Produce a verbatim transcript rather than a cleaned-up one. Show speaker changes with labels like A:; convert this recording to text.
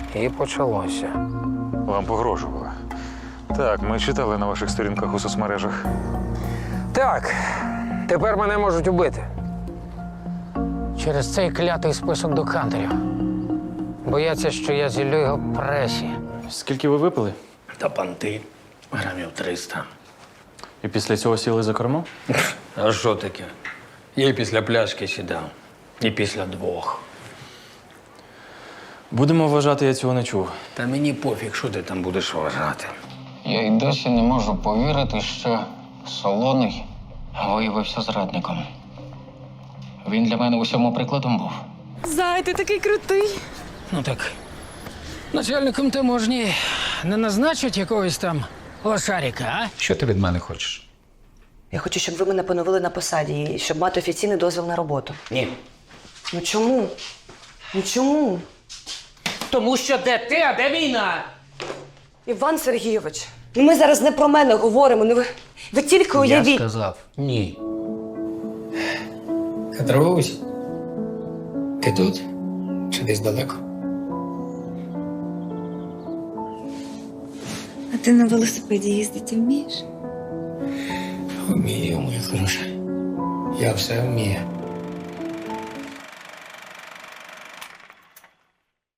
A: І почалося.
B: Вам погрожували. Так, ми читали на ваших сторінках у соцмережах.
A: Так, тепер мене можуть убити. Через цей клятий список докантерів. Бояться, що я зіллю його в пресі.
C: Скільки ви випили?
A: Та панти грамів триста.
C: І після цього сіли за кермо?
A: А що таке? Я і після пляшки сідав. І після двох.
C: Будемо вважати, я цього не чув.
A: Та мені пофіг, що ти там будеш вважати. Я й досі не можу повірити, що Солоний виявився зрадником. Він для мене усьому прикладом був.
D: Зай, ти такий крутий.
A: Ну так, начальником таможні не назначать якогось там лошарика, а? Що ти від мене хочеш?
E: Я хочу, щоб ви мене поновили на посаді і щоб мати офіційний дозвіл на роботу.
A: Ні.
E: Ну чому? Ну чому?
A: Тому що де ти, а де війна?
E: Іван Сергійович, ну ми зараз не про мене говоримо. Ну ви, ви тільки
A: Я
E: уявіть.
A: сказав ні. Катрусь, ти тут? Чи десь далеко?
D: А ти на велосипеді їздити вмієш?
A: Вмію, моя хороша. Я все вмію.